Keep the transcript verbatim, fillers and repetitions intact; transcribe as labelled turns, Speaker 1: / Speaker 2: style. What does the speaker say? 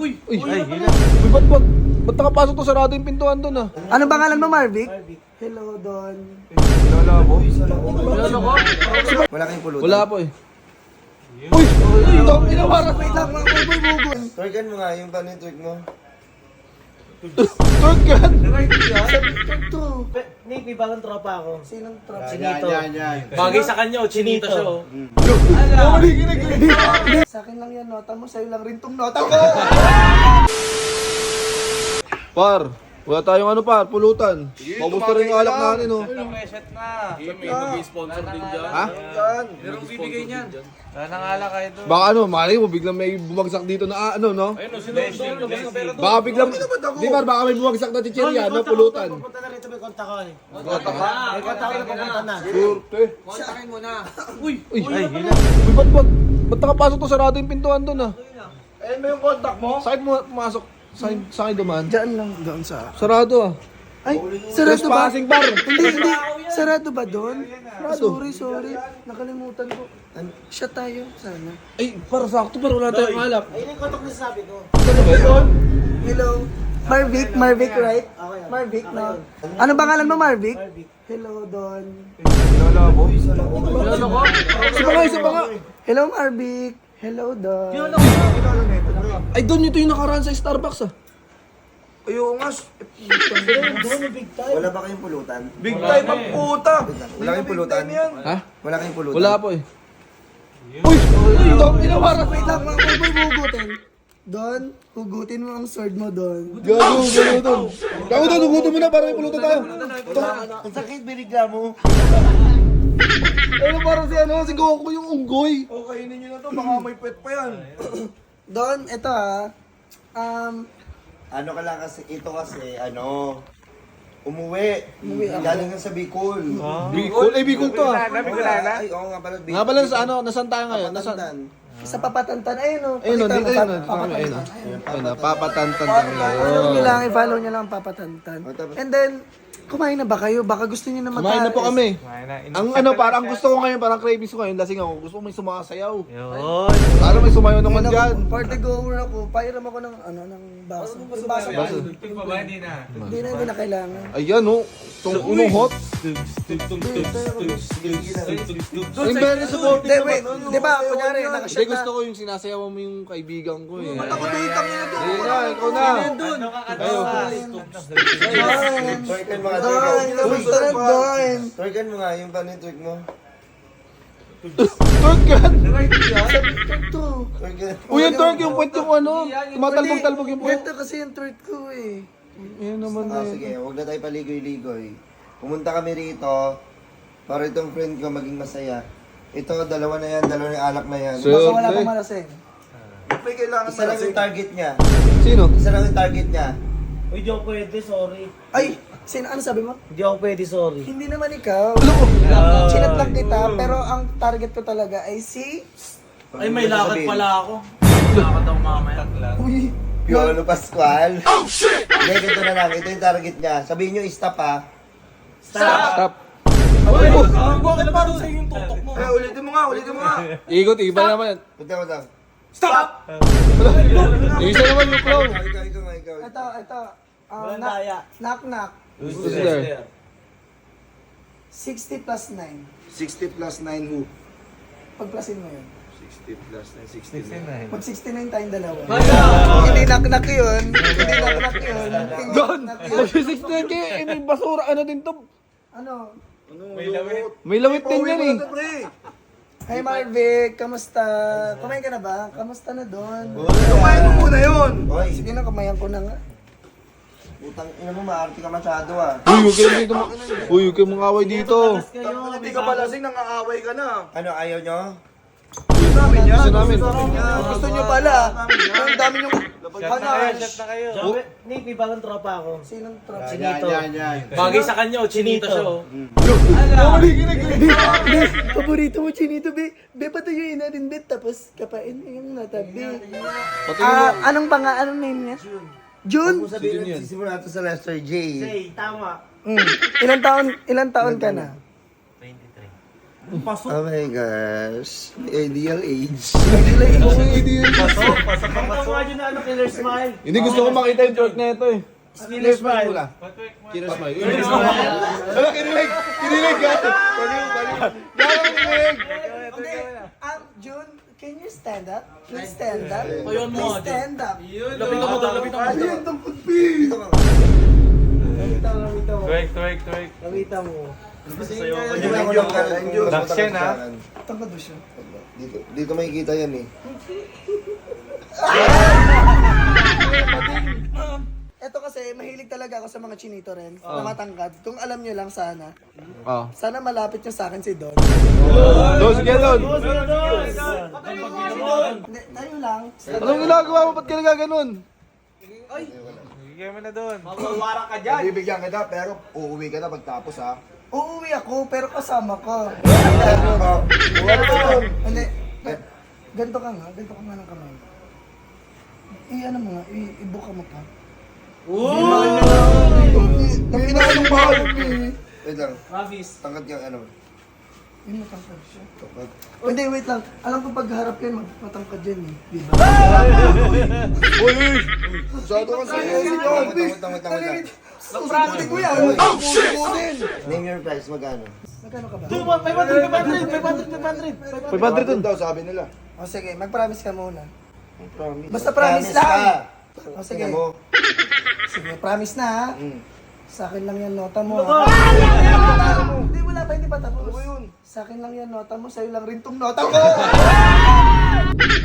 Speaker 1: Uy!
Speaker 2: Uy, ay, Uy, ba't, ba't, ba't nakapasok to? Sarado yung pintuan doon ah.
Speaker 3: Ano pangalan mo, Marvic? Hello, Don.
Speaker 2: Wala po.
Speaker 1: Wala ko?
Speaker 4: Wala kayong pulutan.
Speaker 2: Wala po eh. Uy! Uy! Dong, inawaran.
Speaker 3: Wait lang, mga boy, bugon.
Speaker 4: Twerkan mo nga, yung paano yung twerk mo?
Speaker 2: Twerk yan!
Speaker 3: Ito.
Speaker 5: Nick, may bagong tropa ako.
Speaker 3: Sinong trap?
Speaker 5: Chinito.
Speaker 1: Bagay sa kanya, chinito siya oh.
Speaker 2: Mali ginagawa.
Speaker 3: Sa akin lang yan, nota mo. Sa'yo lang rin tong nota ko.
Speaker 2: Par, wala tayong ano par, pulutan. Maubos na rin yung alak natin oh.
Speaker 1: Reset na. May mag-sponsor din dyan.
Speaker 2: Ha?
Speaker 1: Merong bibigay niyan. Nanangala kayo doon.
Speaker 2: Baka ano, mali mo, biglang may bumagsak dito na ah, ano no?
Speaker 1: Ayun o, sino doon? Labas ng pera doon.
Speaker 2: Baka biglang, di ba, baka may bumagsak na chichirya na pulutan.
Speaker 5: Pupunta na rito, may kontak ko eh.
Speaker 1: Kontak ka.
Speaker 5: May kontak ko na pupunta na.
Speaker 2: Surte.
Speaker 1: Kontakin mo na. Uy!
Speaker 2: Uy, ay, Uy, ba't, ba't, ba't nakapasok to? Sarado yung pintuan doon ah.
Speaker 4: Eh, may yung contact mo?
Speaker 2: Saan mo pumasok? Saan, saan kayo dumaan?
Speaker 3: Diyan lang, doon sa...
Speaker 2: Sarado ah.
Speaker 3: Ay, sarado ba?
Speaker 2: Trespassing bar.
Speaker 3: Hindi, hindi. Sarado ba doon? Sorry, sorry. Nakalimutan ko. Siya tayo, sana.
Speaker 2: Ay, para sakto, para wala tayong alak.
Speaker 5: Ayun yung kontak na sabi ko.
Speaker 3: Hello. Marvic, Marvic, right? Marvic, no? Ano pangalan mo, Marvic? Hello, Don.
Speaker 2: Wala po. Wala ko. Isa pa nga, isa pa nga.
Speaker 3: Hello, Marvic. Hello, Don.
Speaker 2: Ay, doon ito yung nakaraan sa Starbucks ah.
Speaker 4: Ayaw nga. Wala ba kayong pulutan?
Speaker 2: Big time ang puta.
Speaker 4: Wala kayong pulutan?
Speaker 2: Ha?
Speaker 4: Wala kayong pulutan?
Speaker 2: Wala po eh. Uy! Uy! Dong, inawaran.
Speaker 3: Wait lang, mga boy, boy, hugutin. Don, hugutin mo ang sword mo, Don.
Speaker 2: Gago, gago doon. Gago doon, hugutin mo na para may pulutan tayo.
Speaker 4: Ang sakit, binigla mo.
Speaker 2: Ano parang si ano, si Goku yung unggoy.
Speaker 4: O, kainin nyo na to, baka may pet pa yan.
Speaker 3: Don, ito ah. Um,
Speaker 4: Ano ka lang kasi, ito kasi, ano, umuwi.
Speaker 3: Umuwi ako.
Speaker 4: Galing nga sa Bicol.
Speaker 2: Bicol? Eh, Bicol to ah.
Speaker 4: Ay, oo nga pala, Bicol.
Speaker 2: Nga pala sa ano, nasan tayo ngayon? Nasan?
Speaker 4: Papatantan.
Speaker 3: sa papatantan, ayun o.
Speaker 2: Ayun o,
Speaker 3: Pakita
Speaker 2: dito
Speaker 3: mo,
Speaker 2: yun.
Speaker 3: pa- papatantan.
Speaker 2: Ayun o. Ayun o, papatantan tayo.
Speaker 3: Follow nyo lang, i-follow nyo lang ang papatantan.
Speaker 4: Oh, tapos-
Speaker 3: And then, kumain na ba kayo? Baka gusto nyo na mag
Speaker 2: Kumain na po kami. Ang ano, parang gusto ko ngayon, parang cravings ko ngayon, lasing ako. Gusto ko may sumasayaw.
Speaker 1: Yun.
Speaker 2: Para may sumayaw naman dyan.
Speaker 3: Party goer ako. Pairam ako ng, ano, ng baso. Yung baso.
Speaker 2: Baso.
Speaker 1: Tugtog pa ba? Hindi na.
Speaker 3: Hindi na, hindi na kailangan.
Speaker 2: Ayan o, itong unong hot. Yung very support.
Speaker 3: Hindi, wait. Di ba, kunyari,
Speaker 2: Hindi,
Speaker 3: nakashot
Speaker 2: gusto
Speaker 3: na.
Speaker 2: ko yung sinasayaw mo yung kaibigan ko eh.
Speaker 3: Ako na yung tangina doon.
Speaker 2: Ayun na, ikaw na.
Speaker 1: Ano kakatawa?
Speaker 4: Twerkan mo nga,
Speaker 3: Don,
Speaker 4: twerkan.
Speaker 3: kamusta na, Don?
Speaker 4: Twerkan mo nga, yung paano yung twerk mo?
Speaker 2: Twerk yan.
Speaker 3: Ito.
Speaker 4: Twerkan.
Speaker 2: Uy, yung twerk yung puwet yung ano. Tumatalbog-talbog yung puwet.
Speaker 3: Ito kasi yung third ko eh.
Speaker 2: Yan naman na
Speaker 4: Ah,
Speaker 2: yun.
Speaker 4: sige, huwag na tayo paligoy-ligoy. Pumunta kami rito para itong friend ko maging masaya. Ito, dalawa na yan, dalawa na yung alak na yan.
Speaker 2: So-
Speaker 3: Baka wala
Speaker 2: Okay.
Speaker 3: pang malasing.
Speaker 4: May kailangan Isa lang yung target niya.
Speaker 2: Sino?
Speaker 4: Isa lang yung target niya.
Speaker 5: Uy, di ako pwede, sorry.
Speaker 3: Ay, sin ano sabi mo?
Speaker 5: Hindi ako pwede, sorry.
Speaker 3: Hindi naman ikaw. Chinat lang kita, pero ang target ko talaga ay si...
Speaker 1: Ay, may lakad pala ako. Lakad ako mamaya.
Speaker 3: Uy,
Speaker 4: Piolo Pascual. Oh, shit! Hindi, ganito na lang. Ito yung target niya. Sabihin nyo, stop ha.
Speaker 2: Stop.
Speaker 1: Bakit parang sa'yo yung tutok mo?
Speaker 4: Eh, ulitin mo nga, ulitin mo nga.
Speaker 2: Ikot, iba naman.
Speaker 4: Punta mo lang.
Speaker 2: Isa naman yung clown.
Speaker 4: Ikaw, ikaw nga, ikaw.
Speaker 3: ito, ito. Um,
Speaker 5: Walang
Speaker 3: knock,
Speaker 5: daya.
Speaker 3: knock, knock.
Speaker 2: Who's there?
Speaker 3: sixty plus nine.
Speaker 4: sixty plus nine who?
Speaker 3: Pagplasin mo yun.
Speaker 4: sixty plus nine, sixty-nine.
Speaker 3: Mag sixty-nine tayong dalawa. Hindi knock-knock yun. Hindi knock-knock yun. Hindi
Speaker 2: Don!
Speaker 3: knock-knock yun.
Speaker 2: Mag-six na yun kayo. Eh, may basura. Ano din to?
Speaker 3: Ano?
Speaker 2: May lawit din yan eh.
Speaker 3: Hi Marvic, kamusta? Kumain ka na ba? Kamusta na doon?
Speaker 4: Kumain mo muna yun! Hoy,
Speaker 3: Sige na, kumayan ko na nga.
Speaker 4: utang ina mo, maarte ka masyado ah.
Speaker 2: Uy, huwag kayo dito. ma- Uy, huwag kayong mangaway dito.
Speaker 4: Hindi ka palasing, nangaaway ka na. Ano, ayaw nyo?
Speaker 2: Gusto namin.
Speaker 3: Gusto nyo pala. Ang dami nyo... Hanash.
Speaker 5: Joke, Nick, may bagong tropa ako.
Speaker 3: Sinong trap?
Speaker 5: Chinito.
Speaker 1: Bagay sa kanya, chinito siya oh.
Speaker 3: Be, paborito mo, Chinito, be. Be, patuyuin natin, be. Tapos, kapain mo yung natabi.
Speaker 2: Pati mo.
Speaker 3: Ah, anong panga, anong name niya? June?
Speaker 4: Kung sabihin natin, sisimula ito sa Lester J.
Speaker 5: Say, tama.
Speaker 3: Mm. Ilan taon, ilan taon ka na?
Speaker 5: twenty-three.
Speaker 4: Oh my gosh. Ideal age.
Speaker 1: Pasok, pasok ang
Speaker 5: Ang
Speaker 1: pasok.
Speaker 5: mga na ano, killer smile.
Speaker 2: Hindi gusto ko makita yung twerk na ito eh.
Speaker 5: Killer smile.
Speaker 2: muna. Killer smile. Killer smile. Ano, kinilig! Kinilig ka! Baliw, baliw. Gano'n kinilig!
Speaker 3: Okay, um, June, can you stand up? Please stand up.
Speaker 1: Ayun mo,
Speaker 3: Please
Speaker 1: Jun.
Speaker 3: stand up.
Speaker 1: Lapitan mo doon, lapitan mo doon.
Speaker 4: Dito ka.
Speaker 5: Lamita mo, lamita mo.
Speaker 1: Twerk, twerk, twerk.
Speaker 5: Lamita mo.
Speaker 1: Sayo ko.
Speaker 4: Dito ako lang karan.
Speaker 1: Dax yan, ha?
Speaker 3: Tangkad ba siya?
Speaker 4: Dito, dito makikita yan eh.
Speaker 3: Ito kasi, mahilig talaga ako sa mga chinito rin, na matangkad. Kung alam nyo lang sana,
Speaker 2: Oh.
Speaker 3: sana malapit nyo sa akin si Don.
Speaker 2: Don, sige Don.
Speaker 3: Hindi, tayo lang.
Speaker 2: Anong ginagawa mo? Ba't ka nagaganon?
Speaker 1: Mawawara ka dyan.
Speaker 4: Bibigyan kita pero uuwi ka na pagtapos ha.
Speaker 3: Uuwi ako, pero kasama ko.
Speaker 4: Wala
Speaker 3: Hindi, ganito ka nga, ganito ka nga ng kamay. I, ano mo nga, i- ibuka mo pa.
Speaker 4: Ang kinakalang mahal. Wait lang.
Speaker 5: Travis.
Speaker 4: Tangkad ka ano.
Speaker 3: Yun, matangkad siya.
Speaker 4: Tangkad.
Speaker 3: O hindi, wait lang. Alam ko pagharap yan, mag- matangkad yan eh. Di ba?
Speaker 2: Uy, uy!
Speaker 4: Masyado ka seryoso dyan. Tangkad, tangkad, tangkad.
Speaker 3: Susukutin ko yan.
Speaker 4: Oh, shit! Name your price, magkano?
Speaker 3: Magkano ka ba?
Speaker 5: five hundred, five hundred, five hundred, five hundred.
Speaker 2: five hundred dun.
Speaker 4: daw, sabi nila.
Speaker 3: O sige, mag-promise ka muna.
Speaker 4: Promise.
Speaker 3: Basta promise lang. O sige.
Speaker 4: Tingnan mo.
Speaker 3: Sige, promise na ha.
Speaker 4: Mm.
Speaker 3: Sa akin lang yan nota mo. ha? Hindi, wala pa, hindi pa tapos. Sa akin lang yan nota mo, sa'yo lang rin tong nota ko.